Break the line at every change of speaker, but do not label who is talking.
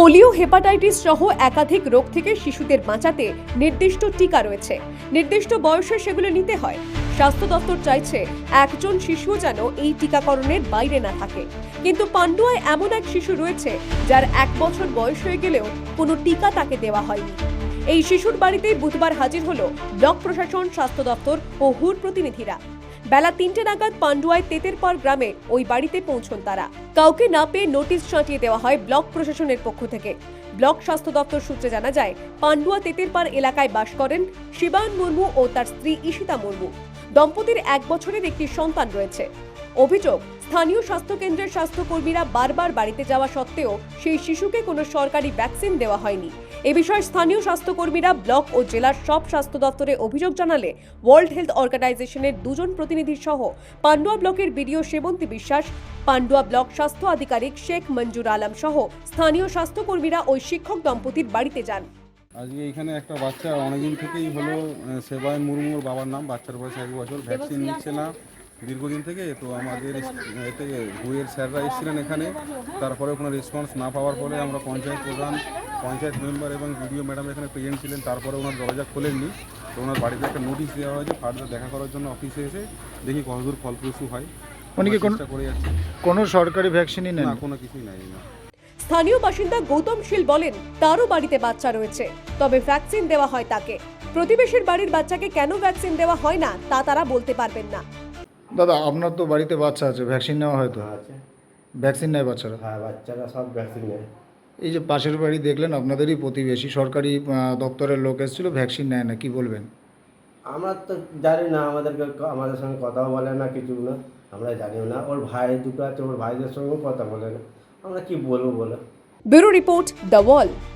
Polio, hepatitis সহ একাধিক রোগ থেকে শিশুদের বাঁচাতে নির্দিষ্ট টিকা রয়েছে। নির্দিষ্ট বয়সে সেগুলো নিতে হয়। স্বাস্থ্য দপ্তর চাইছে একজন শিশু যেন এই টিকাকরণের বাইরে না থাকে। কিন্তু পান্ডুয়ায় এমন এক শিশু রয়েছে যার 1 বছর বয়স হয়ে গেলেও কোনো টিকা তাকে দেওয়া হয়নি। এই শিশুর বাড়িতে বুধবার হাজির হলো ব্লক প্রশাসন, স্বাস্থ্য দপ্তর ও হুর প্রতিনিধিরা। বেলা 3টে নাগাদ পান্ডুয়ায় তেতেরপাড় গ্রামে ওই বাড়িতে পৌঁছন তারা। কাউকে না পেয়ে নোটিশ ছাঁটিয়ে দেওয়া হয় ব্লক প্রশাসনের পক্ষ থেকে। ব্লক স্বাস্থ্য দপ্তর সূত্রে জানা যায়, পান্ডুয়া তেতেরপাড় এলাকায় বাস করেন শিবায়ন মুর্মু ও তার স্ত্রী ঈশিতা মুর্মু। দম্পতির 1 বছরের একটি সন্তান রয়েছে। অভিযোগ, স্থানীয় স্বাস্থ্যকেন্দ্রের স্বাস্থ্যকর্মীরা বারবার বাড়িতে যাওয়া সত্ত্বেও সেই শিশুকে কোনো সরকারি ভ্যাকসিন দেওয়া হয়নি। এ বিষয়ে স্থানীয় স্বাস্থ্যকর্মীরা ব্লক ও জেলার সব স্বাস্থ্য দপ্তরে অভিযোগ জানালে ওয়ার্ল্ড হেলথ অর্গানাইজেশনের 2 জন প্রতিনিধি সহ পান্ডুয়া ব্লকের বিডিও সেবন্তী বিশ্বাস, পান্ডুয়া ব্লক স্বাস্থ্য আধিকারিক শেখ মঞ্জুর আলম সহ স্থানীয় স্বাস্থ্যকর্মীরা ওই শিক্ষক দম্পতির বাড়িতে যান।
আজকে এখানে একটা বাচ্চা অনেকদিন থেকেই হলো সেবায়ন মুর্মুর বাবার নাম, বাচ্চার বয়স 1 বছর, ভ্যাকসিন নিচ্ছে না দীর্ঘদিন থেকে। তো আমাদের এতে হুয়ের স্যাররা এসেছিলেন এখানে, তারপরে কোনো রেসপন্স না পাওয়ার ফলে আমরা পঞ্চায়েত প্রধান, পঞ্চায়েত মেম্বার এবং বিডিও ম্যাডাম এখানে প্রেজেন্ট ছিলেন। তারপরে ওনার দরজা খোলেননি, তো ওনার বাড়িতে একটা নোটিশ দেওয়া হয়েছে ফার্দার দেখা করার জন্য। অফিসে এসে দেখি কতদূর ফলপ্রসূ হয়,
উনি কি
চেষ্টা করে যাচ্ছে।
কোনো সরকারি ভ্যাকসিনই নেন?
না, কোনো কিছুই নাই না।
স্থানীয় বাসিন্দা গৌতম শীল বলেন, তারও বাড়িতে বাচ্চা রয়েছে, তবে ভ্যাকসিন দেওয়া হয় তাকে। প্রতিবেশীর বাড়ির বাচ্চাকে কেন ভ্যাকসিন দেওয়া হয় না তা তারা বলতে পারবেন না।
দাদা, আপনার তো বাড়িতে বাচ্চা আছে, ভ্যাকসিন নেওয়া হয়তো?
আছে।
ভ্যাকসিন নেয় বাচ্চারা?
হ্যাঁ, বাচ্চারা সব ভ্যাকসিন নেয়।
এই যে পাশের বাড়ি দেখলেন, আপনাদেরই প্রতিবেশী, সরকারি দপ্তরের লোক এসেছিল, ভ্যাকসিন নেয় না, কি বলবেন?
আমরা তো জানি না, আমাদের সঙ্গে কথাও বলে না, কিছু না, আমরা জানিও না। ওর ভাই দুটো আছে, ওর ভাইদের সঙ্গেও কথা বলে না, আমরা কি বলবো বলো।
Bureau report, the wall.